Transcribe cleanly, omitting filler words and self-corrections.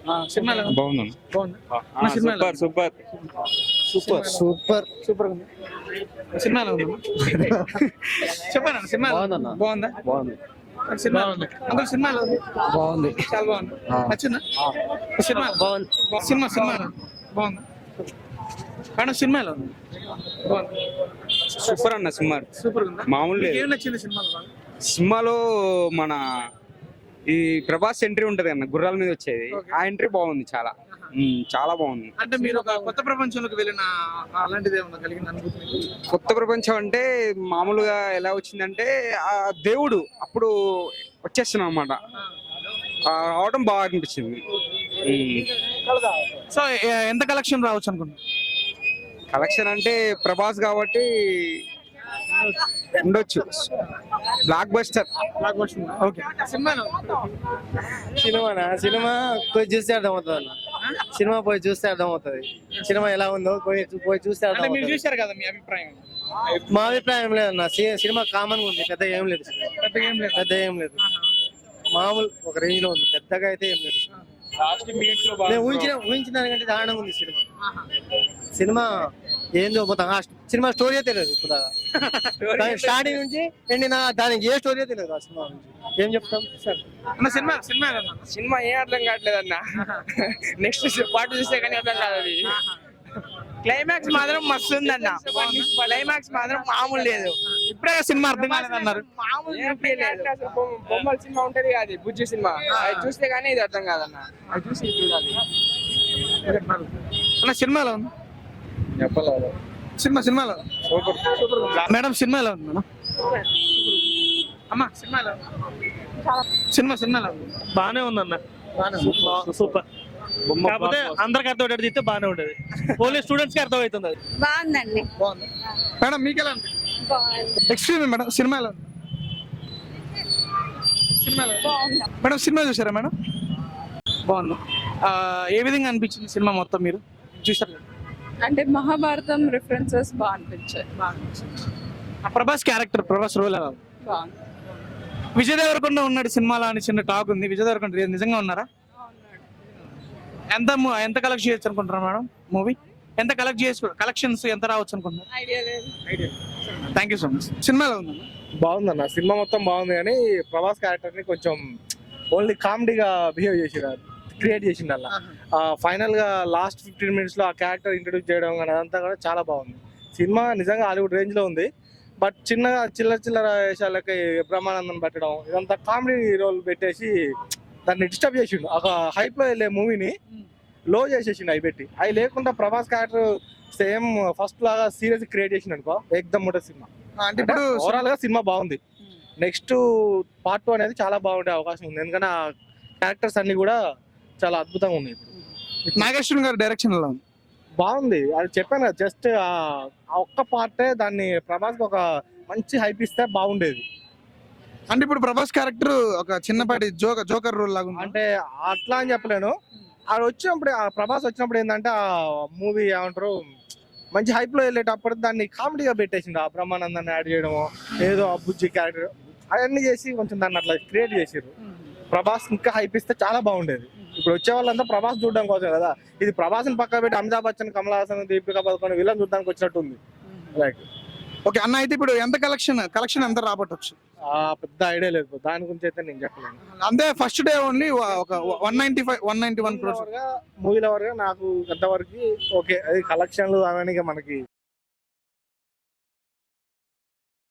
Cinema బాగుంది. Super super super super super ఉంది. సినిమాలో ఉంది చెప్పాను. సినిమా బాగుందా? బాగుంది. సినిమా అందులో సినిమాలో ఉంది. బాగుంది. చాలా బాగుంది. నచ్చిందా సినిమా? బాగుంది. సినిమాలో బాగుంది. మేడం సినిమాలో ఉంది. బాగుంది. సూపర్ అన్న సినిమా. సూపర్ ఉందా? మామూలు ఏం నచ్చింది సినిమాలో? సినిమాలో మన ఈ ప్రభాస్ ఎంట్రీ ఉంటది అన్న, గుర్రాల మీద వచ్చేది. ఆ ఎంట్రీ బాగుంది. చాలా చాలా బాగుంది. అంటే మీరు ఒక కొత్త ప్రపంచంలోకి వెళ్ళిన అలాంటిది ఏమన్నా కలిగిన అనుభూతి మీకు? కొత్త ప్రపంచం అంటే మామూలుగా ఎలా వచ్చిందంటే ఆ దేవుడు అప్పుడు వచ్చేస్తున్నాం అనమాట. రావడం బాగా అనిపించింది. సో ఎంత కలెక్షన్ రావచ్చు అనుకుంటున్నారు? కలెక్షన్ అంటే ప్రభాస్ కాబట్టి ఉండొచ్చు. Blockbuster. ఓకే. సినిమాలో సినిమా పోయి చూస్తే అర్థమవుతుంది అన్న. సినిమా పోయి చూస్తే అర్థమవుతుంది సినిమా ఎలా ఉందో పోయి చూస్తే అంటే మీరు అర్థమవుతుంది. చూశారు కదా, మీ అభిప్రాయం? మా అభిప్రాయం లేదన్న, సినిమా కామన్ గా ఉంది, పెద్దగా ఏం లేదు. పెద్దగా ఏం లేదు. పెద్దగా ఏం లేదు, మామూలు ఒక రేంజ్ లో ఉంది, పెద్దగా అయితే ఏం లేదు. నేను ఊహించిన దానికంటే దారుణంగా ఉంది సినిమా. సినిమా ఏందో పోతాం, సినిమా స్టోరీ తెలియదు ఇప్పుడు స్టార్టింగ్ నుంచి ఎండిన దానికి ఏ స్టోరీ తెలియదు. ఆ సినిమా నుంచి ఏం చెప్తాం సార్? అన్న సినిమా సినిమా ఏం అర్థం కావట్లేదు అన్న. నెక్స్ట్ పార్ట్ చూస్తే కానీ అర్థం కాదు. అది క్లైమాక్స్ మాత్రం మస్తు ఉందన్న. క్లైమాక్స్ మాత్రం మామూలు లేదు. ఇప్పుడే సినిమా అర్థం కాలేదన్నారు. మామూలు బొమ్మల సినిమా ఉంటది కాదు, బుజ్జి సినిమా. అది చూస్తే కానీ ఇది అర్థం కాదన్న, అది చూసి చూడాలి. అన్న సినిమాలో ఉంది. చెప్పలేదు. సినిమాలో మేడం సినిమాలో ఉంది మేడం. అమ్మా సినిమాలో ఉంది. బానే ఉందన్న, సూపర్. కాకపోతే అందరికి అర్థమయ్యేటట్టు తీస్తే బానే ఉంటది, ఓన్లీ స్టూడెంట్స్ కి అర్థమవుతుంది. అది బాగుందండి. బాగుంది మేడం. మీకు ఎలా ఉంది? ఎక్స్క్యూజ్ మేడం, సినిమాలో మేడం సినిమా చూసారా మేడం? బాగుంది. ఏ విధంగా అనిపించింది సినిమా మొత్తం మీరు చూసారు? అంటే మహాభారతం రిఫరెన్సెస్ బాగా అనిపించాయి. ప్రభాస్ క్యారెక్టర్, ప్రభాస్ రోల్ ఎలా ఉంది? బాగుంది. విజయ్ దేవరకొండ ఉన్నాడు సినిమాలో అని చిన్న టాక్ ఉంది. విజయ్ దేవరకొండ నిజంగా ఉన్నారా? ఎంత కలెక్ట్ చేయొచ్చు అనుకుంటున్నారు మేడం మూవీ? ఎంత కలెక్షన్స్ ఎంత రావచ్చు అనుకుంటున్నారు? ఐడియా లేదు. Thank you so much. సినిమాలో ఉంది బాగుందన్న, సినిమా మొత్తం బాగుంది, కానీ ప్రభాస్ క్యారెక్టర్ ని కొంచెం ఓన్లీ కామెడీగా బిహేవ్ చేసినారు, క్రియేట్ చేసిండు అలా. ఫైనల్ గా లాస్ట్ 15 minutes లో ఆ క్యారెక్టర్ ఇంట్రొడ్యూస్ చేయడం కానీ అదంతా కూడా చాలా బాగుంది. సినిమా నిజంగా హాలీవుడ్ రేంజ్ లో ఉంది, బట్ చిన్నగా చిల్లర వేషాలకి బ్రహ్మానందం పెట్టడం ఇదంతా కామెడీ రోల్ పెట్టేసి దాన్ని డిస్టర్బ్ చేసిండు. ఒక హైప్ లో వెళ్ళే మూవీని లో చేసేసిండు అవి పెట్టి. అవి లేకుండా ప్రభాస్ క్యారెక్టర్ సేమ్ ఫస్ట్ లాగా సీరియస్ క్రియేట్ చేసిండు అనుకో, ఎక్దమ్ ఉంటుంది సినిమా. అంటే ఇప్పుడు ఓవరాల్ గా సినిమా బాగుంది. నెక్స్ట్ పార్ట్ 2 అనేది చాలా బాగుండే అవకాశం ఉంది, ఎందుకంటే ఆ క్యారెక్టర్స్ అన్ని కూడా చాలా అద్భుతంగా ఉన్నాయి. ఇప్పుడు నాగేశ్వర గారి డైరెక్షన్ ఎలా ఉంది? బాగుంది, అది చెప్పాను కదా, జస్ట్ ఆ ఒక్క పార్టే దాన్ని ప్రభాస్ ఒక మంచి హైప్ ఇస్తే బాగుండేది. అంటే ఇప్పుడు ప్రభాస్ క్యారెక్టర్ ఒక చిన్నపాటి జోకర్ రోల్ లాగా ఉంది. అంటే అట్లా అని చెప్పలేను, అది వచ్చినప్పుడు ఆ ప్రభాస్ వచ్చినప్పుడు ఏంటంటే ఆ మూవీ ఏమంటారు మంచి హైప్ లో వెళ్ళేటప్పుడు దాన్ని కామెడీగా పెట్టేసింది. ఆ బ్రహ్మానందాన్ని యాడ్ చేయడము, ఏదో ఆ బుజ్జి క్యారెక్టర్ అవన్నీ చేసి కొంచెం దాన్ని అట్లా క్రియేట్ చేసారు. ప్రభాస్ ఇంకా హైప్ ఇస్తే చాలా బాగుండేది. ఇప్పుడు వచ్చే వాళ్ళంతా ప్రభాస్ చూడడం కోసం కదా, ఇది ప్రభాస్ని పక్క పెట్టి అమితాబ్ బచ్చన్, కమల్ హాసన్, దీపికా పదుకొని వీళ్ళని చూడడానికి వచ్చినట్టు ఉంది. లైక్ ఓకే అన్న, అయితే ఇప్పుడు ఎంత కలెక్షన్ ఎంత రాబట్టొచ్చు? పెద్ద ఐడియా లేదు దాని గురించి అయితే నేను చెప్పలేను. అంతే ఫస్ట్ డే ఓన్లీ ఒక 191 crores మూవీల వరకు నాకు ఎంతవరకు ఓకే, అది కలెక్షన్లు అవన్నీ మనకి